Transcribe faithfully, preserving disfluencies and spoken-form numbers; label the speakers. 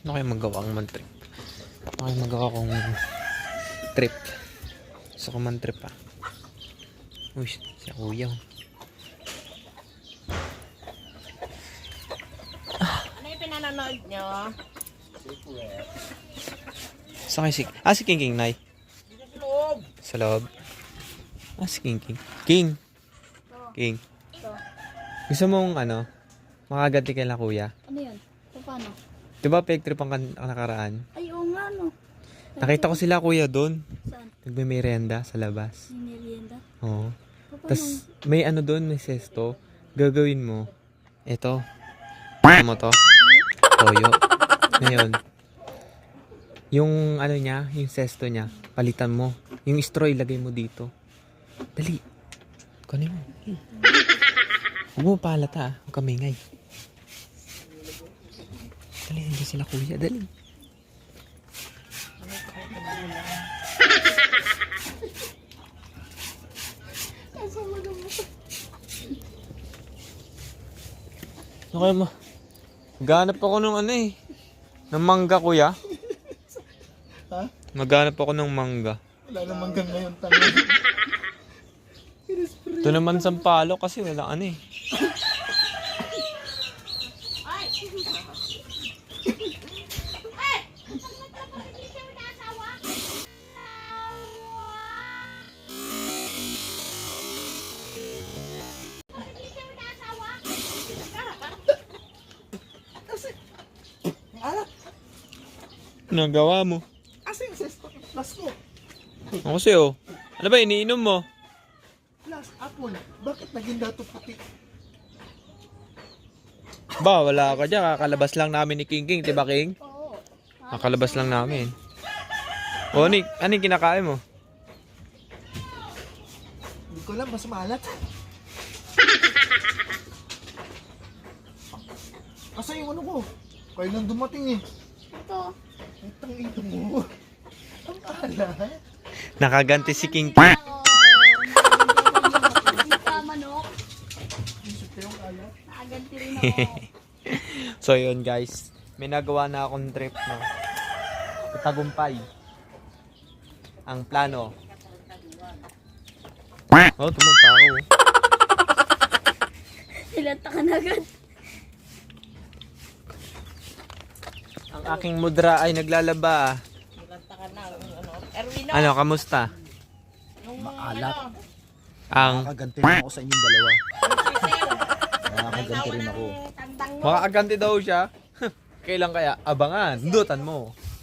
Speaker 1: Ano kayo magawa ang man trip? Ano kayo magawa kong trip? Gusto ko man trip ah. Uy, si kuya.
Speaker 2: Ano yung pinanonood nyo?
Speaker 1: Saan kayo si... Ah, si King King, Nay.
Speaker 2: Dito sa loob.
Speaker 1: Sa loob. Ah, si King King. King! King. Gusto mong ano, makaganti kay la kuya?
Speaker 3: Ano yun? Paano?
Speaker 1: Di ba peg trip ang kan- ang nakaraan?
Speaker 3: Ay, oo nga, no.
Speaker 1: Nakita ko sila kuya doon.
Speaker 3: Saan?
Speaker 1: Nagme-merenda sa labas.
Speaker 3: May merienda?
Speaker 1: Oo.
Speaker 3: Paano?
Speaker 1: Tapos may ano doon, may sesto. Gagawin mo. Ito. Ano mo to? Toyo. Ngayon. Yung ano niya, yung sesto niya, palitan mo. Yung straw ilagay mo dito. Dali. Kunin mo. Huwag mo palata ah. Huwag kamingay. Dali, hindi sila kuya. Dali. Ano kayo mo? Maghanap ako ng ano eh. Ng mangga kuya.
Speaker 4: Ha?
Speaker 1: Maghanap ako ng mangga.
Speaker 4: Wala namang gang ngayon tanong.
Speaker 1: Ito naman Sampalo kasi wala ano eh.
Speaker 4: Alak!
Speaker 1: Nagawa mo.
Speaker 4: Asa yung sesto? Plus mo.
Speaker 1: Ako sa'yo. Ano ba iniinom mo?
Speaker 4: Plus apple. Bakit naging dato puti?
Speaker 1: Ba, wala ka dyan. Kakalabas lang namin ni King King. Diba King?
Speaker 3: Oo.
Speaker 1: Kakalabas lang namin. O, Nick, ano yung kinakain mo?
Speaker 4: Hindi ko alam, mas maalat. Asa yung ano ko? Kailan dumating eh?
Speaker 3: Ito.
Speaker 4: Itang ito mo. Ang alat.
Speaker 1: Nakaganti si King
Speaker 3: Oo.
Speaker 1: King.
Speaker 3: Hindi ka manok.
Speaker 4: Isip ko yung alat.
Speaker 3: Nakaganti rin ako.
Speaker 1: So, yun guys. May nagawa na akong trip na tagumpay. Ang plano. Oh, tumunta ako.
Speaker 3: Ilanta ka na agad.
Speaker 1: Ang aking mudra ay naglalaba.
Speaker 2: Nilanta ka na. Ano? Erwino.
Speaker 1: Ano, kamusta?
Speaker 2: Nung,
Speaker 4: Maalat.
Speaker 2: ano,
Speaker 1: Ang
Speaker 4: Nakaganti rin ako sa inyong dalawa. Nakaganti rin ako.
Speaker 2: tandang mo.
Speaker 1: makakaganti daw siya. Kailan kaya? Abangan. Dutan mo.